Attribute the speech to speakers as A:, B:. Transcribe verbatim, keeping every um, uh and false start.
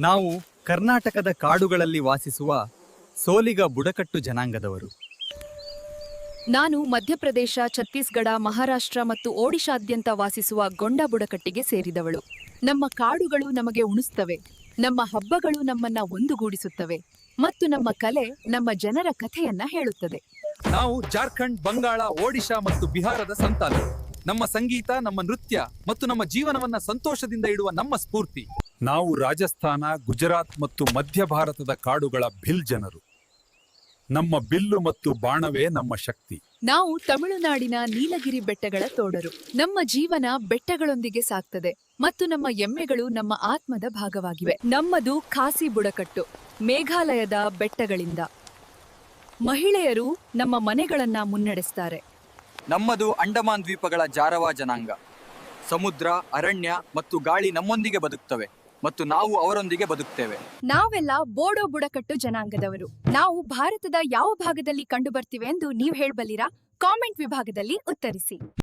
A: ನಾವು ಕರ್ನಾಟಕದ ಕಾಡುಗಳಲ್ಲಿ ವಾಸಿಸುವ ಸೋಲಿಗ ಬುಡಕಟ್ಟು ಜನಾಂಗದವರು.
B: ನಾನು ಮಧ್ಯಪ್ರದೇಶ, ಛತ್ತೀಸ್ಗಢ, ಮಹಾರಾಷ್ಟ್ರ ಮತ್ತು ಒಡಿಶಾದ್ಯಂತ ವಾಸಿಸುವ ಗೊಂಡ ಬುಡಕಟ್ಟಿಗೆ ಸೇರಿದವಳು. ನಮ್ಮ ಕಾಡುಗಳು ನಮಗೆ ಉಣಿಸುತ್ತವೆ, ನಮ್ಮ ಹಬ್ಬಗಳು ನಮ್ಮನ್ನ ಒಂದುಗೂಡಿಸುತ್ತವೆ ಮತ್ತು ನಮ್ಮ ಕಲೆ ನಮ್ಮ ಜನರ ಕಥೆಯನ್ನ ಹೇಳುತ್ತದೆ.
C: ನಾವು ಜಾರ್ಖಂಡ್, ಬಂಗಾಳ, ಒಡಿಶಾ ಮತ್ತು ಬಿಹಾರದ ಸಂತಾನರು. ನಮ್ಮ ಸಂಗೀತ, ನಮ್ಮ ನೃತ್ಯ ಮತ್ತು ನಮ್ಮ ಜೀವನವನ್ನ ಸಂತೋಷದಿಂದ ಇಡುವ ನಮ್ಮ ಸ್ಫೂರ್ತಿ. ನಾವು ರಾಜಸ್ಥಾನ, ಗುಜರಾತ್ ಮತ್ತು ಮಧ್ಯ ಭಾರತದ ಕಾಡುಗಳ ಭಿಲ್ ಜನರು. ನಮ್ಮ ಬಿಲ್ಲು ಮತ್ತು ಬಾಣವೇ ನಮ್ಮ ಶಕ್ತಿ.
B: ನಾವು ತಮಿಳುನಾಡಿನ ನೀಲಗಿರಿ ಬೆಟ್ಟಗಳ ತೋಡರು. ನಮ್ಮ ಜೀವನ ಬೆಟ್ಟಗಳೊಂದಿಗೆ ಸಾಗ್ತದೆ ಮತ್ತು ನಮ್ಮ ಎಮ್ಮೆಗಳು ನಮ್ಮ ಆತ್ಮದ ಭಾಗವಾಗಿವೆ. ನಮ್ಮದು ಖಾಸಿ ಬುಡಕಟ್ಟು, ಮೇಘಾಲಯದ ಬೆಟ್ಟಗಳಿಂದ. ಮಹಿಳೆಯರು ನಮ್ಮ ಮನೆಗಳನ್ನ ಮುನ್ನಡೆಸ್ತಾರೆ.
D: ನಮ್ಮದು ಅಂಡಮಾನ್ ದ್ವೀಪಗಳ ಜಾರವಾ ಜನಾಂಗ. ಸಮುದ್ರ, ಅರಣ್ಯ ಮತ್ತು ಗಾಳಿ ನಮ್ಮೊಂದಿಗೆ ಬದುಕ್ತವೆ ಮತ್ತು ನಾವು ಅವರೊಂದಿಗೆ ಬದುಕ್ತೇವೆ.
E: ನಾವೆಲ್ಲ ಬೋಡೋ ಬುಡಕಟ್ಟು ಜನಾಂಗದವರು. ನಾವು ಭಾರತದ ಯಾವ ಭಾಗದಲ್ಲಿ ಕಂಡು ಬರ್ತೀವಿ ಎಂದು ನೀವು ಹೇಳಬಲ್ಲಿರಾ? ಕಾಮೆಂಟ್ ವಿಭಾಗದಲ್ಲಿ ಉತ್ತರಿಸಿ.